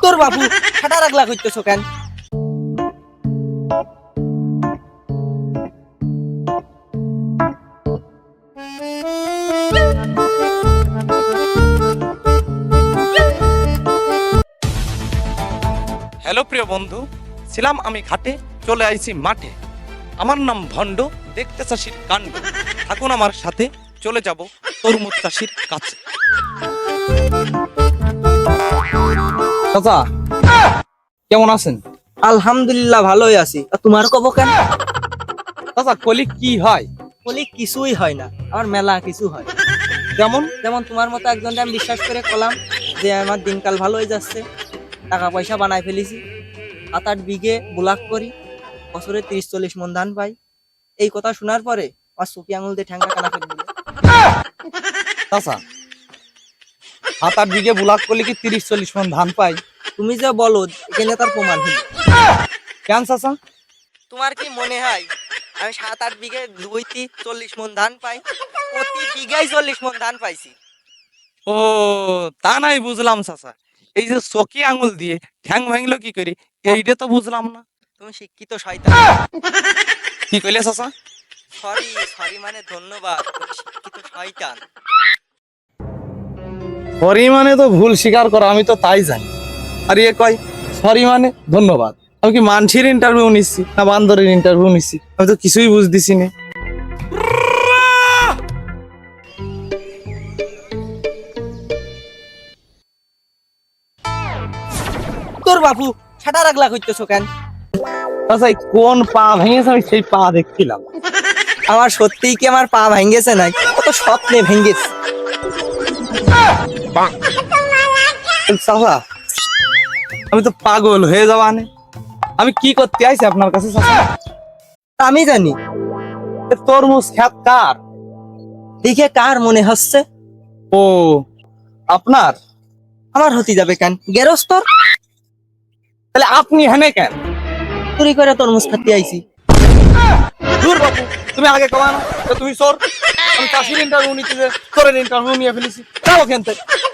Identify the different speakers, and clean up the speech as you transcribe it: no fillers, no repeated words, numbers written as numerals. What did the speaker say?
Speaker 1: তোর বাবু ঠাটা রাগলা করতেছো কেন?
Speaker 2: হ্যালো প্রিয় বন্ধু, ছিলাম আমি ঘাটে, চলে আইছি মাঠে। আমার নাম ভণ্ড, দেখতে চাষির কাণ্ড। থাকুন আমার সাথে, চলে যাব তরমুজ চাষির কাছে। চাচা কেমন আছেন?
Speaker 1: আলহামদুলিল্লাহ ভালোই আছি। আর তোমার কব কেন?
Speaker 2: চাচা কলি কি হয়?
Speaker 1: বলি কিছুই হয় না, আমার মেলা কিছু হয়।
Speaker 2: যেমন?
Speaker 1: যেমন তোমার মতো একজনকে আমি বিশ্বাস করে কলাম যে আমার দিনকাল ভালো হয়ে যাচ্ছে, টাকা পয়সা বানাই ফেলেছি, 7-8 বিঘে বুলাক করি, বছরে 30-40 মন ধান পাই। এই কথা শোনার পরে আমার চুকি আঙুল দিয়ে ঠ্যাঙ্গা কানা ফেলে দিল।
Speaker 2: চাচা 7-8 বিঘে বুলাক করলে কি 30-40 মন ধান পাই?
Speaker 1: তুমি যে বলো এখানে তার প্রমাণ হলো।
Speaker 2: কেন চাচা?
Speaker 1: তোমার কি মনে হয় আমি 7-8 বিঘে 2-40 মন ধান পাই? প্রতি বিঘায় 40 মন ধান পাইছি।
Speaker 2: ও তা নাই বুঝলাম চাচা, এই যে চকি আঙুল দিয়ে ঠ্যাং ভাঙলো কি করে, এইটা তো বুঝলাম না।
Speaker 1: তুমি শিক্ষিত শয়তান।
Speaker 2: কি কইলে চাচা?
Speaker 1: সরি সরি মানে ধন্যবাদ, তুমি শিক্ষিত শয়তান।
Speaker 2: সরি মানে তো ভুল স্বীকার করা, আমি তো তাই জানি। আর ইয়ে কয় সরি মানে ধন্যবাদ। আমি কি মানসির ইন্টারভিউ নিচ্ছি না বান্দরের ইন্টারভিউ নিচ্ছি? আমি তো কিছুই বুঝতেছি না।
Speaker 1: তোর বাবু ঠাটা রাগলা করতেছো কেন?
Speaker 2: আচ্ছা কোন পা ভেঙেছে আমি সেই পা দেখছিলাম।
Speaker 1: আমার সত্যিই কি আমার পা ভেঙেছে নাই, কত স্বপ্নে ভেঙেছে।
Speaker 2: চাচা আমি তো পাগল হয়ে যাওয়া নে। আমি কি করতে আইছি আপনার কাছে চাচা?
Speaker 1: আমি জানি
Speaker 2: এ তরমুজ খেত কার?
Speaker 1: দেখে কার মনে হচ্ছে?
Speaker 2: ও আপনার?
Speaker 1: আমার হতে যাবে কেন, গেরস্তর।
Speaker 2: তাহলে আপনি হেনে কেন?
Speaker 1: চুরি করে তরমুজ খাতে আইছি।
Speaker 2: দূর বাবু, তুমি আগে কমানো তুমি চোর। আমি চাষির ইন্টারভিউ নিতে চোরের ইন্টারভিউ নিয়ে ফেলেছি। যাও ওখান থেকে।